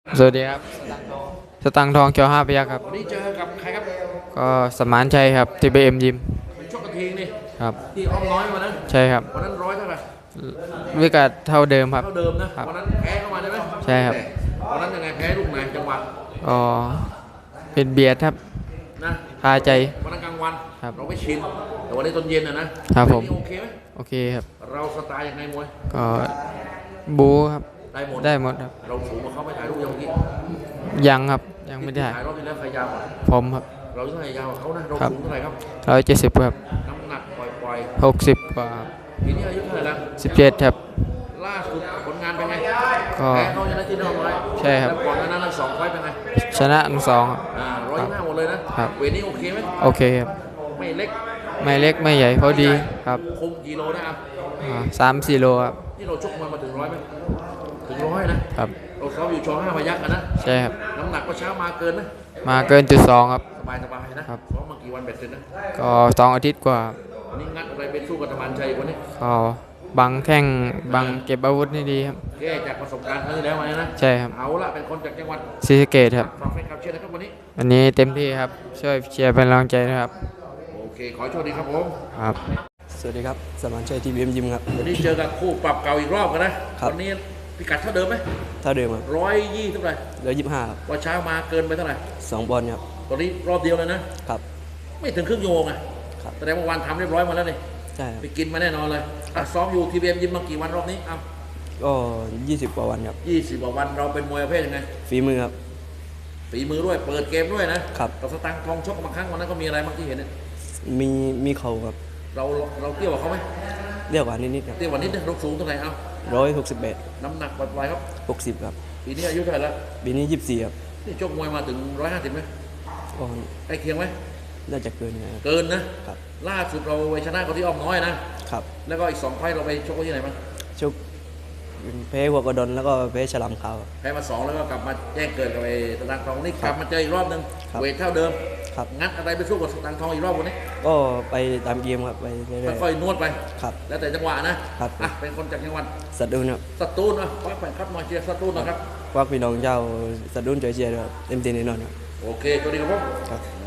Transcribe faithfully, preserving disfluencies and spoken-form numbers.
สวัสดีครับสตังค์ทองเกียวห้าพยัคฆ์ครับวันนี้เจอกับใครครับก็สมานชัยครับทีบีเอ็มยิมเป็นชกกระทิงนี่ครับที่อ้อมน้อยวันนั้นใช่ครับวันนั้นร้อยเท่าไหร่วิกัดเท่าเดิมครับเท่าเดิมนะครับวันนั้นแพ้เข้ามาใช่ไหมใช่ครับวันนั้นยังไงแพ้ลูกไหนจังหวะก็เป็นเบียดครับนะคาใจวันนั้นกลางวันครับเราไม่ชินแต่วันนี้ตอนเย็นนะนะครับผมโอเคไหมโอเคครับเราสไตล์ยังไงมวยก็บูครับได้หมดได้หมดครับเราสูงกว่าเขาไม่ถ่ายรูปยังเมื่อกี้ยังครับยังไม่ได้ถ่ายรอบที่แล้วใครยาวกว่าผมครับเราเท่าไหร่ยาวกว่าเขานะเราสูงเท่าไหร่ครับร้อยเจ็ดสิบครับน้ำหนักปล่อยหกสิบกว่าๆปีนี้อายุเท่าไหร่แล้วสิบเจ็ดครับล่าสุดผลงานเป็นไงก็แพ้เขาชนะที่นอกไว้ใช่ครับแล้วก่อนหน้านั้นทั้งสองไฟเป็นไงชนะทั้งสองครับอ่าร้อยห้าหมดเลยนะครับเวทนี้โอเคไหมโอเคครับไม่เล็กไม่เล็กไม่ใหญ่พอดีครับคุมกิโลนะครับสามสี่โลครับนี่เราชกมามาถึงร้อยไหมถึงร้อยนะครับเราซ้อมอยู่ชอห้าพยัคฆ์นะใช่ครับน้ำหนักก็เช้ามาเกินไหมมาเกินจุดสองครับสบายสบายนะครับซ้อมมากี่วันเบ็ดเสร็จนะก็สองอาทิตย์กว่าวันนี้งัดอะไรเป็นสู้กับตะมันชัยวันนี้ก็บังแข้งบังเก็บอาวุธนี่ดีครับแก้จากประสบการณ์ครั้งที่แล้วมาเนี่ยนะใช่ครับเอาละเป็นคนจากจังหวัดศรีสะเกษครับฝากแฟนคลับเชียร์นะครับวันนี้วันนี้เต็มที่ครับช่วยเชียร์เป็นกำลังใจนะครับโอเคขอโชคดีครับผมครับสวัสดีครับสมานชัยทีบีเอ็มยิมครับวันนี้เจอกับคู่ปรับเก่าอีกรอบกันนะวันนี้พิกัดเท่าเดิมไหมเท่าเดิมครับร้อยยี่เท่าไหร่ร้อยยี่สิบห้าครับว่าเช้ามาเกินไปเท่าไหร่สองบอลครับตอนนี้รอบเดียวเลยนะครับไม่ถึงครึ่งชั่วโมงไงแสดงว่าวันทำเรียบร้อยมาแล้วนี่ใช่ไปกินมาแน่นอนเลยอ่ะซ้อมอยู่ทีบีเอ็มยิมมากี่วันรอบนี้อ้าวก็ยี่สิบกว่าวันครับยี่สิบกว่าวันเราเป็นมวยประเภทยังไงฝีมือครับฝีมือด้วยเปิดเกมด้วยนะครับเราสตังค์ทองชกมาครั้งวันนั้นก็มีอะไรบ้างที่เห็นเนี่ยมีมีเข่าครับเราเราเตี้ยกว่าเขาไหมเรียกว่านิดๆครับเตี้ยกว่านิดนึงเราสูงเท่าไหร่เอ้าร้อยหกสิบแปดน้ำหนักปล่อยๆครับหกสิบครับปีนี้อายุเท่าไหร่แล้วปีนี้ยี่สิบสี่ครับนี่ชกมวยมาถึงร้อยห้าสิบไหมก็ใกล้เคียงไหมน่าจะเกินนะครับเกินนะครับล่าสุดเราไปชนะเขาที่อ้อมน้อยนะครับแล้วก็อีกสองไฟเราไปชกที่ไหนบ้างชกแพ้หัวกระดอนแล้วก็แพ้ฉลามขาวแพ้มาสองแล้วก็กลับมาแจ้งเกิดกับไอ้สตางค์ทองนี่กลับมาเจออีกรอบนึงเวทเท่าเดิมงัดอะไรไปสู้กับสตางค์ทองอีกรอบวันนี้ก็ไปตามเกมครับไปเรื่อยๆค่อยๆนวดไปครับแล้วแต่จังหวะนะครับอ่ะเป็นคนจากจังหวัดสตูลครับสตูลอ่ะคว้าแฟนครับมาเชียร์สตูลนะครับควักพี่น้องเจ้าสตูลเชียร์เต็มที่แน่นอนครับโอเคสวัสดีครับผมครับ